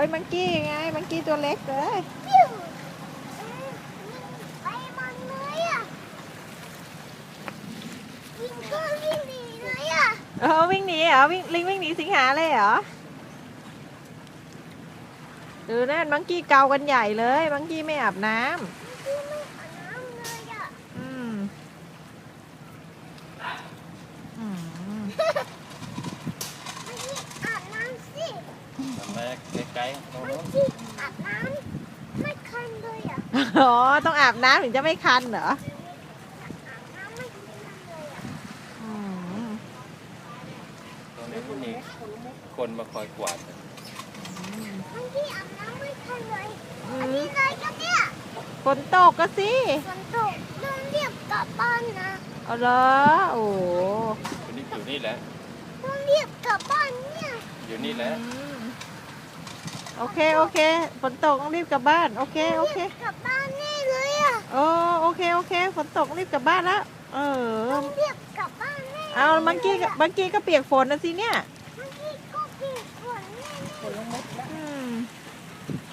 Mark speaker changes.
Speaker 1: ยมังกี้ไงมังกี้ตัวเล็กเลย
Speaker 2: ปิ้วไปมันเลยอ่ะวิ่งก็วิ่งหนีเลยอ่ะ
Speaker 1: วิ่งหนีเหรอลิงวิ่งหนีสิงหาเลยเหรอดูนั่นมังกี้เกากันใหญ่เลยมังกี้ไม่อาบน้ำ
Speaker 2: พี่ไม่อาบน้ำเลยอ่ะ
Speaker 1: อืมอืม
Speaker 2: ไม่ได้อาบน้ำสิ
Speaker 3: ทำมาไกลๆตรง
Speaker 2: ไม่
Speaker 3: นู้น
Speaker 2: ได้อาบน้ำไม่คันเลยอ่ะ
Speaker 1: อ๋อต้องอาบน้ำถึงจะไม่คันเหรอ
Speaker 2: อาบน้ำไม่คันเลยอ่ะ
Speaker 1: อืม
Speaker 3: ตรงนี้ก็มีคนมาคอยกวาด
Speaker 2: ไม่ได้อาบน้ำไม่คันเลย
Speaker 1: อื
Speaker 2: อัน
Speaker 1: ม
Speaker 2: นี้เลยก็เนี่ย
Speaker 1: ฝนตกก็สิ
Speaker 2: ฝนตกเรื่องเรียบกลับบ้านนะ
Speaker 1: เอาเหรอโอ้โห
Speaker 3: คนนี้อยู่นี่แหละ
Speaker 2: เรื่องเรียบกลับบ้านเนี่ย
Speaker 3: อยู่นี่แหละ
Speaker 1: อืมโอเคโอเคฝนตกต้องรีบกลับบ้านโอเคโอเค
Speaker 2: รียบกลับบ้านแน่เลยอ่ะ
Speaker 1: โอ้โอเคโอเคฝนตกรีบกลับบ้านแล้ว
Speaker 2: เรื่องเรียบกลับบ้านแน่
Speaker 1: เอาเมื่อกี้ก็เปียกฝนนะสิเนี่ย
Speaker 2: เ